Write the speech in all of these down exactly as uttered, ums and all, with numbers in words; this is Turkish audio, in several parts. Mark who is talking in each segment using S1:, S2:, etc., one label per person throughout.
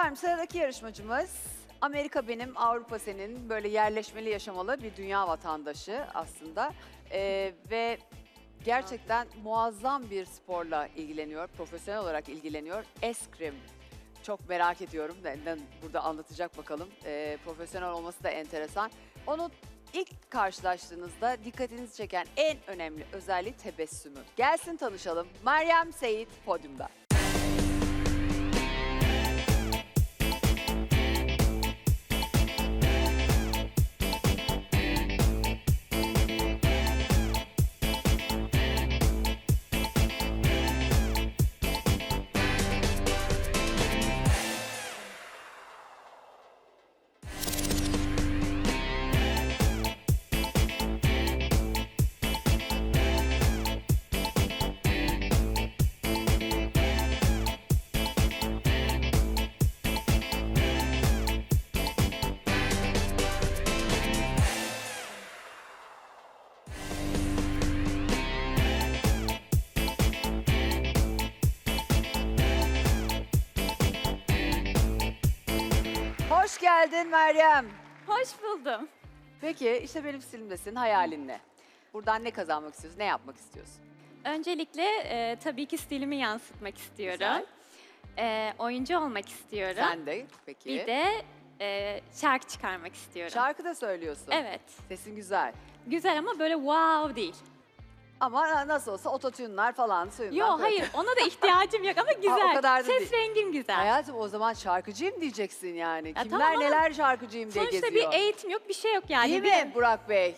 S1: Efendim sıradaki yarışmacımız Amerika benim, Avrupa senin, böyle yerleşmeli yaşamalı bir dünya vatandaşı aslında. Ee, ve gerçekten muazzam bir sporla ilgileniyor, profesyonel olarak ilgileniyor. Eskrim. Çok merak ediyorum. Benden burada anlatacak bakalım. Ee, profesyonel olması da enteresan. Onu ilk karşılaştığınızda dikkatinizi çeken en önemli özelliği tebessümü. Gelsin tanışalım. Meryem Seyit podyumda. Hoş geldin Meryem.
S2: Hoş buldum.
S1: Peki işte benim stilimdesin, hayalin ne? Buradan ne kazanmak istiyorsun, ne yapmak istiyorsun?
S2: Öncelikle e, tabii ki stilimi yansıtmak istiyorum.
S1: Güzel.
S2: E, oyuncu olmak istiyorum.
S1: Sen de peki.
S2: Bir de e, şarkı çıkarmak istiyorum.
S1: Şarkı da söylüyorsun.
S2: Evet.
S1: Sesin güzel.
S2: Güzel ama böyle wow değil.
S1: Ama nasıl olsa ototune'lar falan suyundan.
S2: Yo hayır ona da ihtiyacım yok ama güzel.
S1: o kadar da
S2: Ses
S1: değil.
S2: rengim güzel.
S1: Hayatım o zaman şarkıcıyım diyeceksin yani.
S2: Ya
S1: Kimler
S2: tamam ama
S1: neler şarkıcıyım diye
S2: Sonuçta
S1: geziyor.
S2: bir eğitim yok, bir şey yok yani.
S1: Değil
S2: Bir-
S1: mi Burak Bey?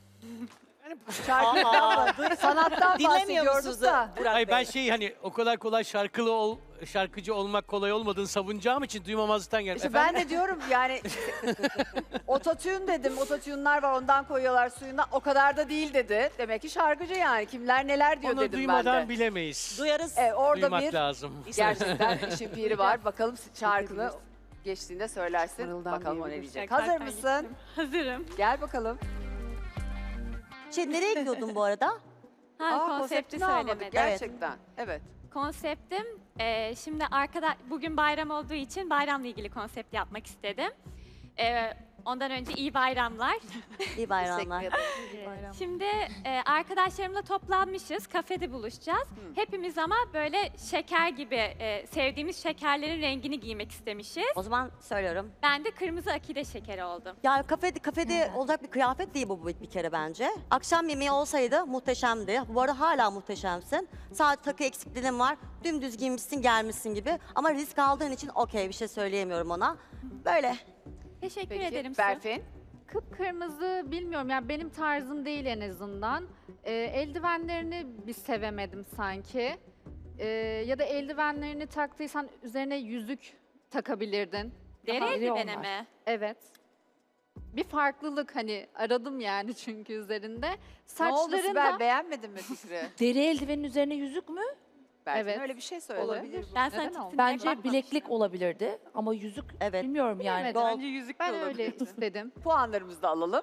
S1: Şarkıdan, sanattan
S3: Dinlemiyor
S1: bahsediyoruz
S3: musunuz
S1: da.
S3: Burak
S4: Hayır ben
S3: Bey?
S4: şey hani o kadar kolay şarkılı ol, şarkıcı olmak kolay olmadığını savunacağım için duymamazlıktan geldim.
S1: İşte ben de diyorum yani ototune dedim. Ototune'lar var ondan koyuyorlar suyuna. O kadar da değil dedi. Demek ki şarkıcı yani. Kimler neler diyor
S4: Onu
S1: dedim ben
S4: duymadan
S1: de.
S4: bilemeyiz.
S3: Duyarız.
S1: Evet, orada
S4: Duymak
S1: bir
S4: lazım.
S1: gerçekten işin piri var. Bakalım şarkını geçtiğinde söylersin. Bakalım o ne diyecek. Hazır
S2: Şarkı
S1: mısın?
S2: gittim. Hazırım.
S1: Gel bakalım.
S3: Şey, nereye gidiyordun bu arada?
S2: Ha,
S1: Aa,
S2: konsepti
S1: konseptini almadık
S2: söylemedim.
S1: gerçekten. Evet.
S2: Konseptim e, şimdi arkada bugün bayram olduğu için bayramla ilgili konsept yapmak istedim. E, ondan önce iyi bayramlar.
S3: İyi bayramlar.
S2: Şimdi e, arkadaşlarımla toplanmışız, kafede buluşacağız. Hepimiz ama böyle şeker gibi e, sevdiğimiz şekerlerin rengini giymek istemişiz.
S3: O zaman söylüyorum.
S2: Ben de kırmızı akide şekeri oldum.
S3: Ya kafede, kafede olacak bir kıyafet değil bu bir kere bence. Akşam yemeği olsaydı muhteşemdi. Bu arada hala muhteşemsin. Sadece takı eksikliğin var. Dümdüz giymişsin gelmişsin gibi. Ama risk aldığın için okey bir şey söyleyemiyorum ona. Böyle.
S2: Teşekkür
S1: Peki
S2: ederim. Su.
S1: Berfin.
S5: Kıpkırmızı bilmiyorum yani benim tarzım değil en azından. Ee, eldivenlerini bir sevemedim sanki. Ee, ya da eldivenlerini taktıysan üzerine yüzük takabilirdin.
S2: Deri
S5: Daha-
S2: eldivene mi?
S5: Evet. Bir farklılık hani aradım yani çünkü üzerinde.
S1: Ne oldu
S5: Saçların
S1: Sibel?
S5: da
S1: beğenmedin mi fikri?
S6: Deri eldivenin üzerine yüzük mü?
S1: Berfin
S5: Evet.
S1: öyle bir şey söyledi.
S5: olabilir.
S2: Ben sana
S5: Neden
S2: tipsine
S5: olmasın?
S6: Bence
S2: bakmamıştım.
S6: bileklik olabilirdi ama yüzük
S3: Evet.
S6: bilmiyorum yani.
S5: Bilemedim.
S3: Gold.
S1: Bence yüzük
S5: Ben öyle istedim.
S1: Puanlarımızı da alalım.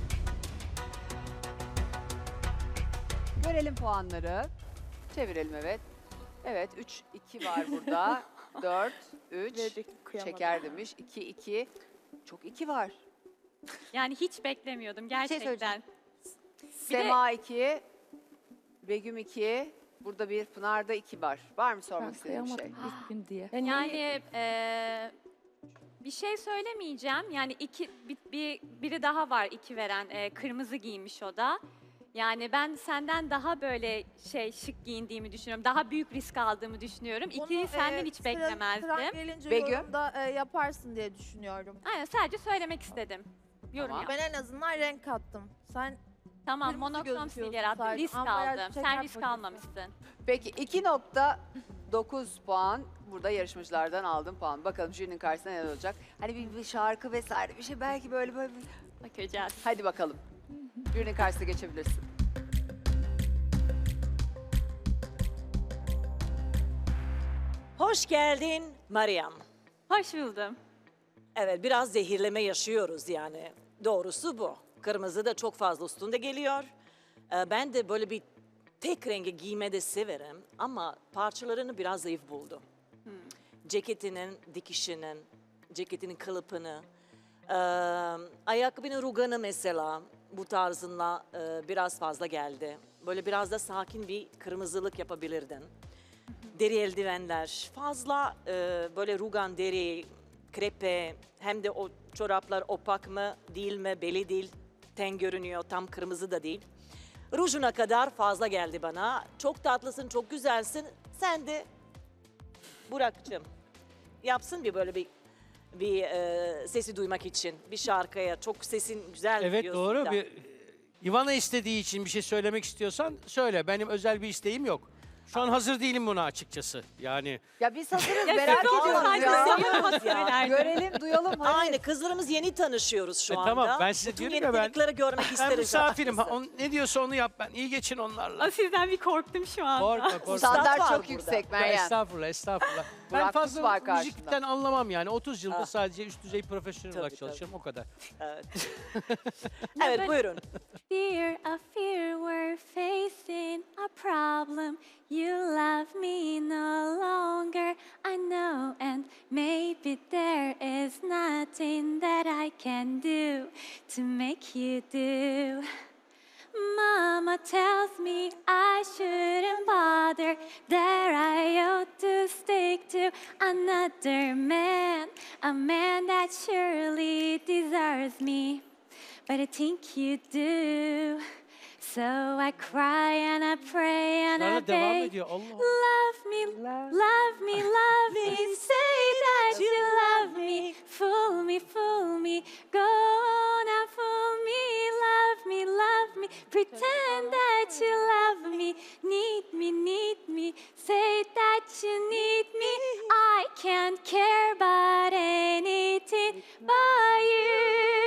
S1: Görelim puanları. Çevirelim evet. Evet üç iki var burada. dört üç şeker demiş. iki iki. Çok iki var.
S2: Yani hiç beklemiyordum gerçekten.
S3: söyleyeceğim.
S1: Sema iki, Begüm iki. Burada bir Pınar'da iki var. Var mı sormak
S6: Ben
S1: istediğin bir şey?
S6: kıyamadım ilk gün diye.
S2: Yani eee, bir şey söylemeyeceğim. Yani iki bir, bir- biri daha var iki veren. Eee, kırmızı giymiş o da. Yani ben senden daha böyle şey şık giyindiğimi düşünüyorum. Daha büyük risk aldığımı düşünüyorum. İkiyi
S7: Onu,
S2: senden
S7: e,
S2: hiç
S7: sıra-
S2: beklemezdim.
S7: sıran gelince
S1: Begüm?
S7: yorumda e, yaparsın diye düşünüyorum.
S2: Aynen sadece söylemek istedim. Yorum
S1: Tamam.
S2: yap.
S7: Ben en azından renk kattım. Sen
S2: Tamam
S7: kırmızı
S2: monokrom
S7: gözüküyorsun
S2: siler attım.
S7: sadece.
S2: Risk
S7: Ambalaj
S2: aldım.
S7: şeker
S2: Sen risk
S7: paketi.
S2: almamışsın.
S1: Peki iki nokta dokuz puan burada yarışmacılardan aldım puan. Bakalım jürinin karşısında ne olacak? Hani bir, bir şarkı vesaire bir şey belki böyle böyle. bir-
S2: Bakacağız.
S1: Hadi bakalım. Jürinin karşısına geçebilirsin.
S8: Hoş geldin Meryem.
S2: Hoş buldum.
S8: Evet biraz zehirleme yaşıyoruz yani. Doğrusu bu. Kırmızı da çok fazla üstünde geliyor. Ee, Ben de böyle bir tek rengi giyme de severim ama parçalarını biraz zayıf buldum. ceketinin dikişinin, ceketinin kılıfını, e, ayakkabının ruganı mesela bu tarzınla e, biraz fazla geldi. Böyle biraz da sakin bir kırmızılık yapabilirdin. Deri eldivenler, fazla e, böyle rugan deri, krepe, hem de o çoraplar opak mı değil mi belli değil. Ten görünüyor, tam kırmızı da değil. Rujuna kadar fazla geldi bana. Çok tatlısın, çok güzelsin. Sen de Burak'cığım yapsın bir böyle bir bir e, sesi duymak için bir şarkıya. Çok sesin güzel
S4: Evet
S8: diyorsun
S4: doğru.
S8: da.
S4: Bir, Ivana istediği için bir şey söylemek istiyorsan söyle. Benim özel bir isteğim yok. Şu an hazır değilim buna açıkçası. Yani
S1: Ya biz hazırız
S2: Ya
S1: merak
S2: siz
S1: ediyoruz
S2: olsaydınız
S1: ya.
S2: seviyorum söylerdim.
S1: Görelim, duyalım. hadi.
S8: Aynı kızlarımız yeni tanışıyoruz şu
S4: E,
S8: anda.
S4: tamam, ben size
S8: Bütün
S4: diyorum ya, ben-
S8: yetenekleri görmek
S4: ben
S8: isteriz.
S4: misafirim. Ha,
S8: açıkçası.
S4: on- ne diyorsa onu yap ben. İyi geçin onlarla.
S2: Aa, sizden bir korktum şu an.
S4: Korkma korkma.
S1: Standart
S8: var
S1: çok
S8: burada.
S1: yüksek
S4: Ya
S1: Meryem.
S4: estağfurullah, estağfurullah. ben
S1: Burak
S4: fazla
S1: Kut var karşında.
S4: müzikten anlamam yani. otuz yılda
S8: Ah.
S4: sadece üst düzey profesyonel
S8: Tabii,
S4: olarak
S8: tabii.
S4: çalışıyorum, o kadar.
S8: Evet. evet buyurun.
S2: Fear, I fear we're facing a problem. You love me no longer, I know, and maybe there is nothing that I can do to make you do. Mama tells me I shouldn't bother, that I ought to stick to another man, a man that surely deserves me. But I think you do. So I cry and I pray and I
S4: Sonra devam
S2: beg.
S4: ediyor. Allah Allah.
S2: Love me, love me, love me. Say that you love me. Fool me, fool me. Go on and fool me. Love me, love me. Pretend that you love me. Need me, need me. Say that you need me. I can't care about anything but you.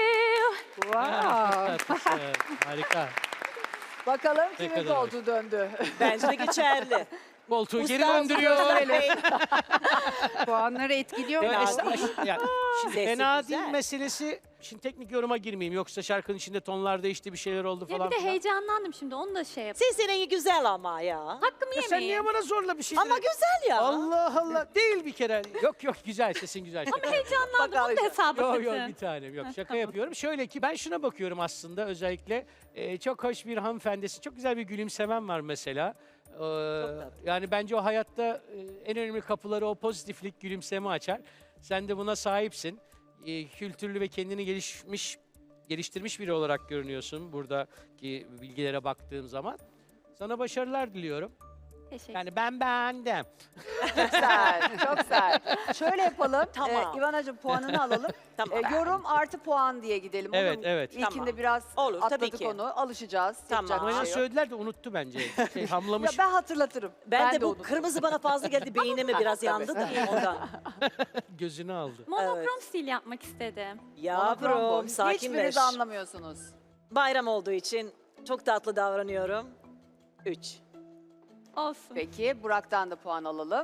S1: Wow.
S4: Tatlısın, harika.
S1: Bakalım
S4: Ne
S1: kimin
S4: kadar
S1: koltuğu döndü.
S8: Bence de geçerli.
S4: Koltuğu geri
S8: Ustam
S4: döndürüyor.
S8: gösterelim.
S9: Puanları etkiliyor mu?
S4: Ya,
S8: Fena
S4: esta-
S8: değil.
S4: ya, şimdi
S8: Sesi
S4: fena
S8: güzel.
S4: değil meselesi. Şimdi teknik yoruma girmeyeyim. Yoksa şarkının içinde tonlar değişti, bir şeyler oldu
S2: Ya
S4: falan
S2: bir de
S4: filan.
S2: heyecanlandım şimdi onu da şey yap.
S8: Sesin rengi güzel ama ya.
S2: Hakkımı
S4: Ya sen
S2: yemeyeyim.
S4: niye bana zorla bir şey
S8: Ama güzel ya.
S4: Allah Allah. Değil bir kere. Yok yok, güzel, sesin güzel. Şaka.
S2: Heyecanlandım onu da hesaba
S4: Yok yok,
S2: katın.
S4: bir tanem yok. Şaka yapıyorum. Şöyle ki ben şuna bakıyorum aslında özellikle. e, çok hoş bir hanımefendisi. Çok güzel bir gülümsemen var mesela. Ee, yani bence o hayatta e, en önemli kapıları o pozitiflik, gülümseme açar. Sen de buna sahipsin. E, kültürlü ve kendini gelişmiş, geliştirmiş biri olarak görünüyorsun buradaki bilgilere baktığım zaman. Sana başarılar diliyorum.
S2: Teşekkür
S4: Yani ben beğendim.
S1: Çok güzel, çok güzel. Şöyle yapalım.
S8: Tamam.
S1: Ee, İvanacığım puanını alalım.
S8: Tamam.
S1: Ee, yorum artı puan diye gidelim.
S4: Evet,
S1: Olur mu?
S4: evet.
S1: İlkinde
S8: Tamam.
S1: biraz
S8: Olur, tabii
S1: atladık
S8: ki.
S1: onu. Alışacağız.
S8: Tamam.
S1: Yapacak bir
S4: Bana
S1: şey yok.
S4: söylediler de unuttu bence. Şey,
S1: Ya
S4: hamlamış.
S1: ben hatırlatırım.
S8: Ben, de bu
S1: unuttum.
S8: kırmızı bana fazla geldi. Beynime biraz yandı da ondan.
S4: Gözünü aldı.
S2: Monokrom stil yapmak istedim.
S1: Monokrom bu.
S8: Yavrum sakinleş.
S1: Hiçbiriniz anlamıyorsunuz.
S8: Bayram olduğu için çok tatlı davranıyorum. Üç.
S2: Olsun.
S1: Peki Burak'tan da puan alalım.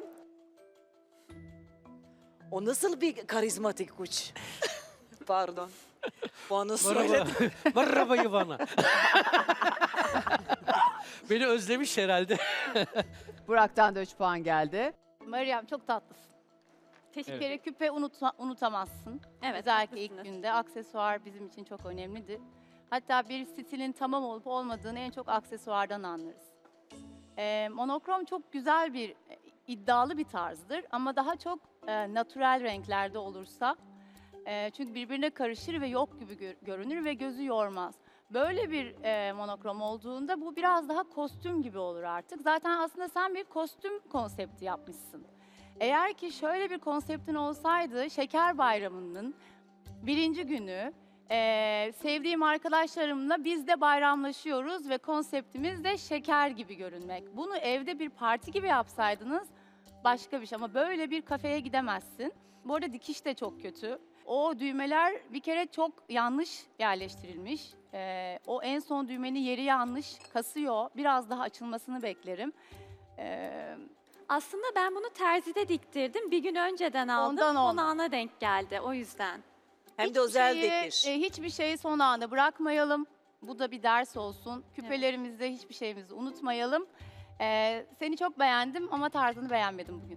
S8: O nasıl bir karizmatik uç? Pardon. Puanı
S4: Merhaba.
S8: söyledim.
S4: Merhaba Ivana. Beni özlemiş herhalde.
S1: Burak'tan da üç puan geldi.
S9: Meryem çok tatlısın.
S2: Teşekkür
S9: Bir
S4: Evet.
S9: kere küpe unuta- unutamazsın.
S2: Evet,
S9: Özellikle ilk
S2: haklısınız.
S9: günde. Aksesuar bizim için çok önemlidir. Hatta bir stilin tamam olup olmadığını en çok aksesuardan anlarız. Ee, monokrom çok güzel bir, e, iddialı bir tarzdır. Ama daha çok e, natürel renklerde olursa. e, çünkü birbirine karışır ve yok gibi gör- görünür ve gözü yormaz. Böyle bir e, monokrom olduğunda bu biraz daha kostüm gibi olur artık. Zaten aslında sen bir kostüm konsepti yapmışsın. Eğer ki şöyle bir konseptin olsaydı Şeker Bayramı'nın birinci günü e, sevdiğim arkadaşlarımla biz de bayramlaşıyoruz ve konseptimiz de şeker gibi görünmek. Bunu evde bir parti gibi yapsaydınız başka bir şey ama böyle bir kafeye gidemezsin. Bu arada dikiş de çok kötü. O düğmeler bir kere çok yanlış yerleştirilmiş. E, o en son düğmenin yeri yanlış, kasıyor. Biraz daha açılmasını beklerim. E,
S2: Aslında ben bunu terzide diktirdim. Bir gün önceden aldım.
S9: Ondan
S2: Son
S9: oldu.
S2: ana denk geldi o yüzden.
S8: Hem de
S9: Hiçbir
S8: özel
S9: şeyi,
S8: dikiş.
S9: e, hiçbir şeyi son anda bırakmayalım. Bu da bir ders olsun. Küpelerimizde hiçbir şeyimizi unutmayalım. E, seni çok beğendim ama tarzını beğenmedim bugün.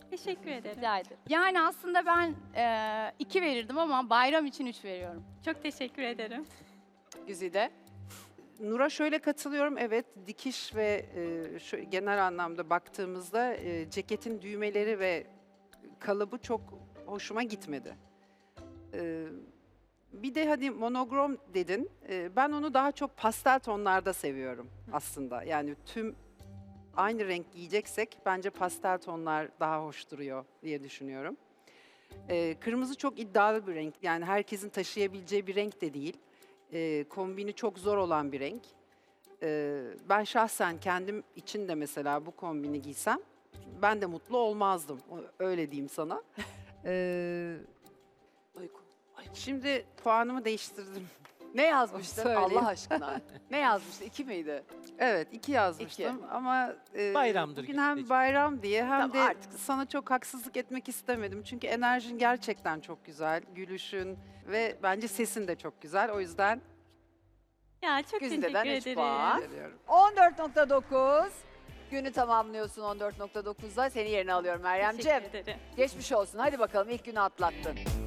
S2: Teşekkür ederim.
S9: Rica ederim. Yani aslında ben e, iki verirdim ama bayram için üç veriyorum.
S2: Çok teşekkür ederim.
S1: Güzide.
S10: Nur'a şöyle katılıyorum. Evet, dikiş ve e, şu, genel anlamda baktığımızda e, ceketin düğmeleri ve kalıbı çok hoşuma gitmedi. E, bir de hadi monogrom dedin. E, ben onu daha çok pastel tonlarda seviyorum aslında. Yani tüm aynı renk giyeceksek bence pastel tonlar daha hoş duruyor diye düşünüyorum. E, kırmızı çok iddialı bir renk. Yani herkesin taşıyabileceği bir renk de değil. E, kombini çok zor olan bir renk. E, ben şahsen kendim için de mesela bu kombini giysem ben de mutlu olmazdım. O- Öyle diyeyim sana. E,
S8: Uyku.
S10: şimdi puanımı değiştirdim.
S1: Ne yazmıştın
S10: Söyleyeyim.
S1: Allah aşkına? Ne yazmıştın? İki miydi?
S10: Evet, iki yazmıştım ama e,
S4: Bayramdır
S10: bugün
S4: Güzideciğim.
S10: hem bayram diye hem
S1: Tamam,
S10: de
S1: artık.
S10: sana çok haksızlık etmek istemedim. Çünkü enerjin gerçekten çok güzel, gülüşün ve bence sesin de çok güzel. O yüzden
S2: Ya çok
S1: Güzide'den
S2: teşekkür
S1: üç
S2: ederim.
S1: puan.
S10: veriyorum.
S1: on dört nokta dokuz. Günü tamamlıyorsun on dört nokta dokuzda. Seni yerine alıyorum Meryemciğim.
S2: Teşekkür ederim.
S1: Geçmiş olsun. Hadi bakalım ilk günü atlattın.